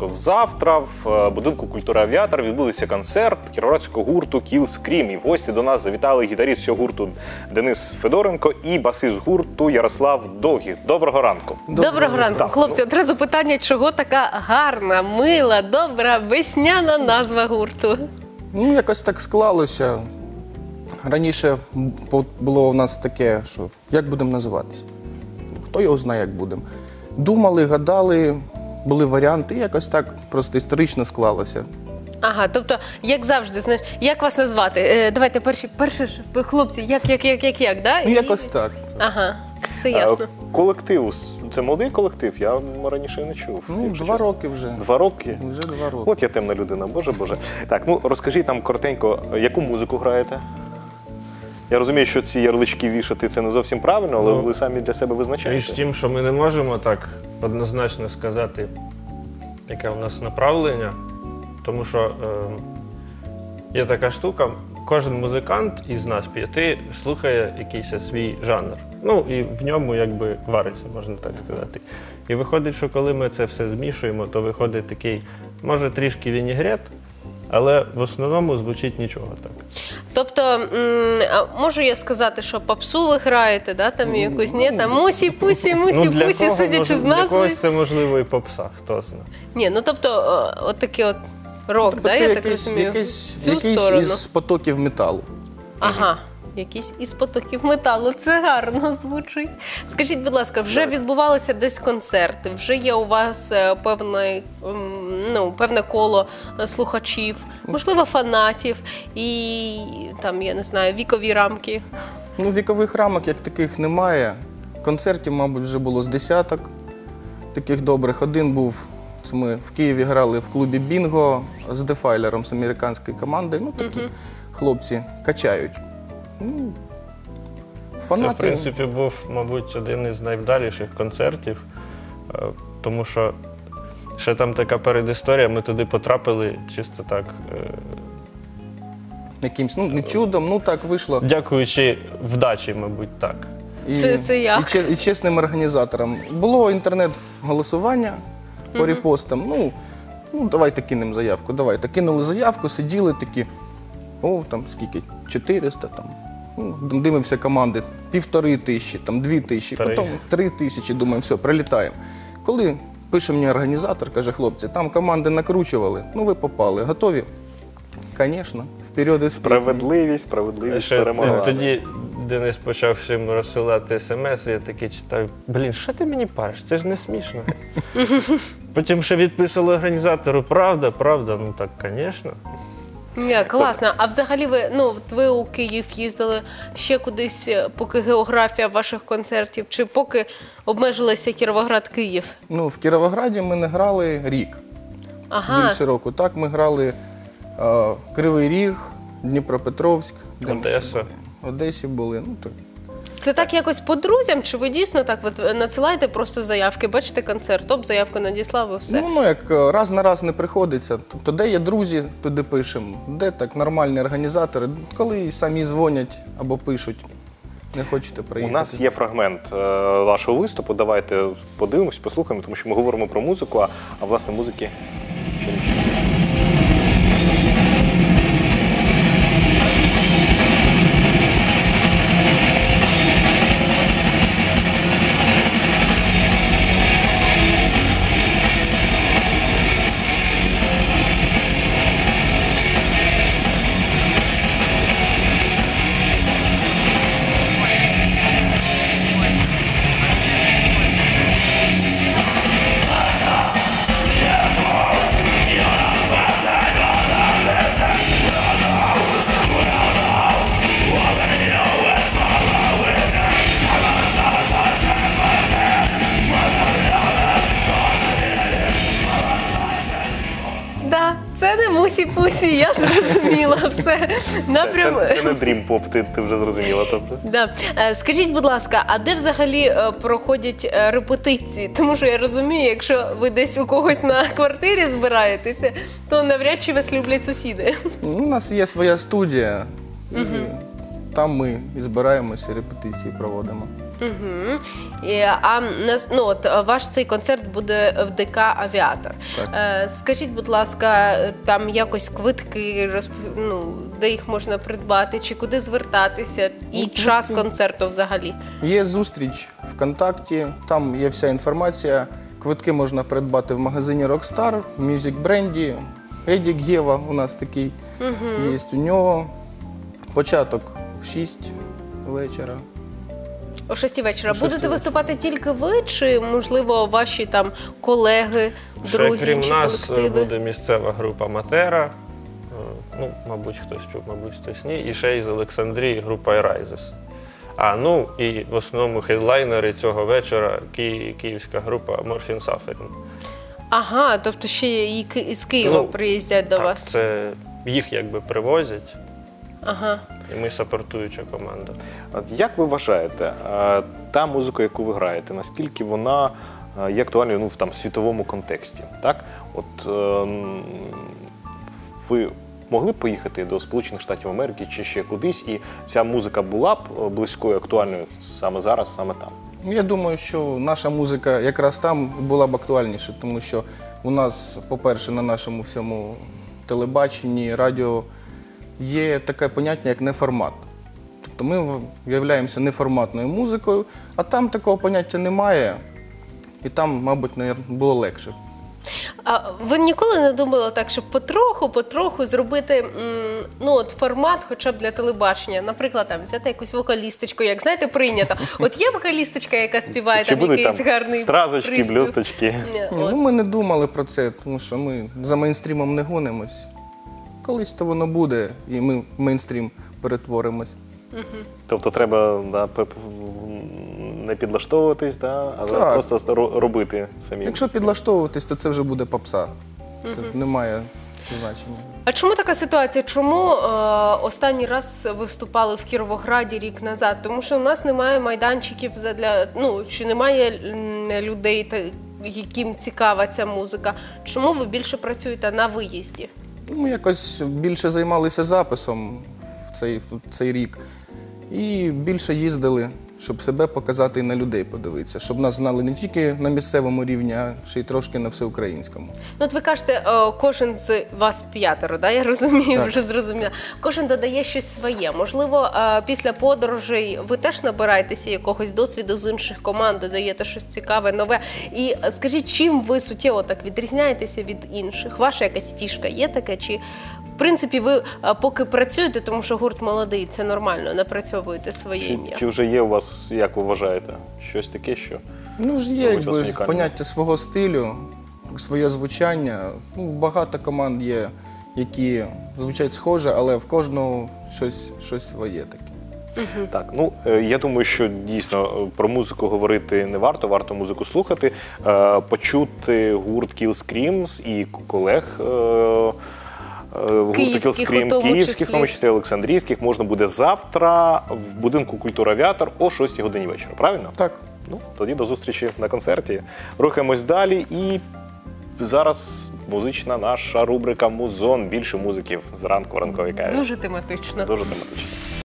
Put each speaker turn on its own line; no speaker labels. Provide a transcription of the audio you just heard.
тобто завтра в будинку культури «Авіатор» відбудеться концерт кіровоградського гурту «Kill Scream». І в гості до нас завітали гітарист цього гурту Денис Федоренко і басист гурту Ярослав Довгих. Доброго ранку.
Доброго ранку. Хлопці, одразу питання, чого така гарна, мила, добра, весняна назва гурту?
Ну, якось так склалося. Раніше було у нас таке, що як будемо називатися? Хто його знає, як будемо. Думали, гадали, були варіанти, і якось так просто історично склалося.
Ага, тобто, як завжди, знаєш, як вас назвати? Давайте перші хлопці, як, да?
Ну, якось так.
Ага, все ясно.
Колектив, це молодий колектив, я раніше не чув.
Ну, 2 роки вже.
2 роки?
Вже 2 роки.
От я темна людина, боже. Так, ну розкажіть нам коротенько, яку музику граєте? Я розумію, що ці ярлички вішати це не зовсім правильно, але ви самі для себе визначаєте.
Річ в тім, що ми не можемо так однозначно сказати, яке у нас направлення, тому що є така штука, кожен музикант із нас 5 слухає якийсь свій жанр. Ну і в ньому якби вариться, можна так сказати. І виходить, що коли ми це все змішуємо, то виходить такий, може трішки вінігрет, але в основному звучить нічого так.
Тобто, можу я сказати, що попсу ви граєте, да, там якусь, ні, там мусі-пусі, мусі-пусі, судячи з
Для
назви.
когось це можливо і попса, хто знає.
Ні, ну тобто, от такий от рок,
Тобто
да,
це
я так розумію,
якийсь
сторону.
із потоків металу.
Ага, якийсь із потоків металу. Це гарно звучить. Скажіть, будь ласка, вже відбувалися десь концерти, вже є у вас певне коло слухачів, можливо, фанатів і, там, я не знаю, вікові рамки?
Ну, вікових рамок як таких немає. Концертів, мабуть, вже було з десяток таких добрих. Один був, ми в Києві грали в клубі «Бінго» з Дефайлером, з американської команди. Ну, такі хлопці качають. Ну, фанати.
Це, в принципі, був, мабуть, один із найвдаліших концертів, тому що ще там така передісторія, ми туди потрапили чисто так.
Якимсь, ну, не чудом, ну так вийшло.
Дякуючи вдачі, мабуть, так.
Це як?
І чесним організаторам. Було інтернет-голосування по репостам. Ну, давайте кинемо заявку, давайте. Кинули заявку, сиділи такі, там скільки, 400, там. Ну, дивимося команди, 1500, там 2000, потім 3000, думаємо, все, прилітаємо. Коли пише мені організатор, каже, хлопці, там команди накручували, ну ви попали, готові? Звісно, вперед із піснею.
Справедливість перемогла.
Тоді Денис почав всім розсилати смс, і я такий читаю, блін, що ти мені париш, це ж не смішно. Потім ще відписали організатору, правда, ну так, звісно.
Класно. А взагалі ви у Київ їздили ще кудись, поки географія ваших концертів, чи поки обмежилися Кіровоград-Київ?
Ну, в Кіровограді ми не грали рік, більше року. Так, ми грали Кривий Ріг, Дніпропетровськ,
Одеса.
В Одесі були. Ну, так.
Це так якось по друзям, чи ви дійсно так надсилаєте просто заявки, бачите концерт, топ-заявку надіслав і все?
Ну, як раз на раз не приходиться. Тобто, де є друзі, туди пишемо. Де так нормальні організатори, коли самі дзвонять або пишуть, не хочете приїхати.
У нас є фрагмент вашого виступу, давайте подивимось, послухаємо, тому що ми говоримо про музику, а власне музики ще не чуємо.
Це не мусі-пусі, я зрозуміла все.
Це не дрім-поп, ти вже зрозуміла.
Да. Скажіть, будь ласка, а де взагалі проходять репетиції? Тому що я розумію, якщо ви десь у когось на квартирі збираєтеся, то навряд чи вас люблять сусіди.
У нас є своя студія, і там ми і збираємося, репетиції проводимо.
Угу. Ваш цей концерт буде в ДК «Авіатор».
Так.
Скажіть, будь ласка, там якось квитки, де їх можна придбати, чи куди звертатися, і час концерту взагалі?
Є зустріч ВКонтакті, там є вся інформація. Квитки можна придбати в магазині Rockstar, в Music Бренді, Едік Гєва у нас такий є. У нього початок в 6 вечора.
О 6 вечора.
О 6
Будете
вечора.
виступати тільки ви, чи, можливо, ваші там колеги, друзі,
Ще крім
чи
нас
колективи?
буде місцева група Матера. Мабуть, хтось чув, мабуть, хтось ні. І ще із Олександрії група Eraises. І в основному хедлайнери цього вечора київська група Morphine Suffering.
Ага, тобто ще і з Києва приїздять до вас.
Це їх якби привозять,
Ага.
і ми сапортуюча команда.
От як ви вважаєте, та музика, яку ви граєте, наскільки вона є актуальною в світовому контексті? Так? Ви могли б поїхати до Сполучених Штатів Америки чи ще кудись, і ця музика була б близькою, актуальною саме зараз, саме там?
Я думаю, що наша музика якраз там була б актуальніша, тому що у нас, по-перше, на нашому всьому телебаченні, радіо є таке поняття, як неформат. Тобто ми являємося неформатною музикою, а там такого поняття немає, і там, мабуть, було легше.
А ви ніколи не думали так, щоб потроху зробити формат хоча б для телебачення? Наприклад, там взяти якусь вокалісточку, як, знаєте, прийнято. От є вокалісточка, яка співає
Чи
там
будуть
якийсь
там
гарний
стразочки,
приспів?
блюсточки?
Ми не думали про це, тому що ми за мейнстрімом не гонимось. Колись то воно буде, і ми в мейнстрім перетворимось.
Тобто треба не підлаштовуватись, а
Так.
просто робити самі.
Якщо підлаштовуватись, то це вже буде попса. Це не має значення.
А чому така ситуація? Чому останній раз виступали в Кіровограді рік назад? Тому що у нас немає майданчиків чи немає людей, яким цікава ця музика. Чому ви більше працюєте на виїзді?
Ми якось більше займалися записом в цей рік. І більше їздили, щоб себе показати і на людей подивитися. Щоб нас знали не тільки на місцевому рівні, а ще й трошки на всеукраїнському.
От ви кажете, кожен з вас 5, да? Я розумію,
Так.
вже зрозуміла. Кожен додає щось своє. Можливо, після подорожей ви теж набираєтеся якогось досвіду з інших команд, додаєте щось цікаве, нове. І скажіть, чим ви суттєво так відрізняєтеся від інших? Ваша якась фішка є таке? Чи, в принципі, ви поки працюєте, тому що гурт молодий, це нормально, напрацьовуєте своє ім'я?
Чи вже є у вас, як ви вважаєте, щось таке, що?
Ж є
Робить вас унікальним.
поняття свого стилю, своє звучання. Багато команд є, які звучать схоже, але в кожного щось своє таке.
Так, я думаю, що дійсно про музику говорити не варто, варто музику слухати, почути гурт Kill Screams і колег гурту Kill
Київських,
Scream,
у тому
київських,
числі.
в тому числі олександрійських, можна буде завтра в будинку культури «Авіатор» о 6 годині вечора, правильно?
Так.
Тоді до зустрічі на концерті. Рухаємось далі і зараз музична наша рубрика «Музон». Більше музиків зранку в ранковій каві.
Дуже тематично.
Дуже тематично.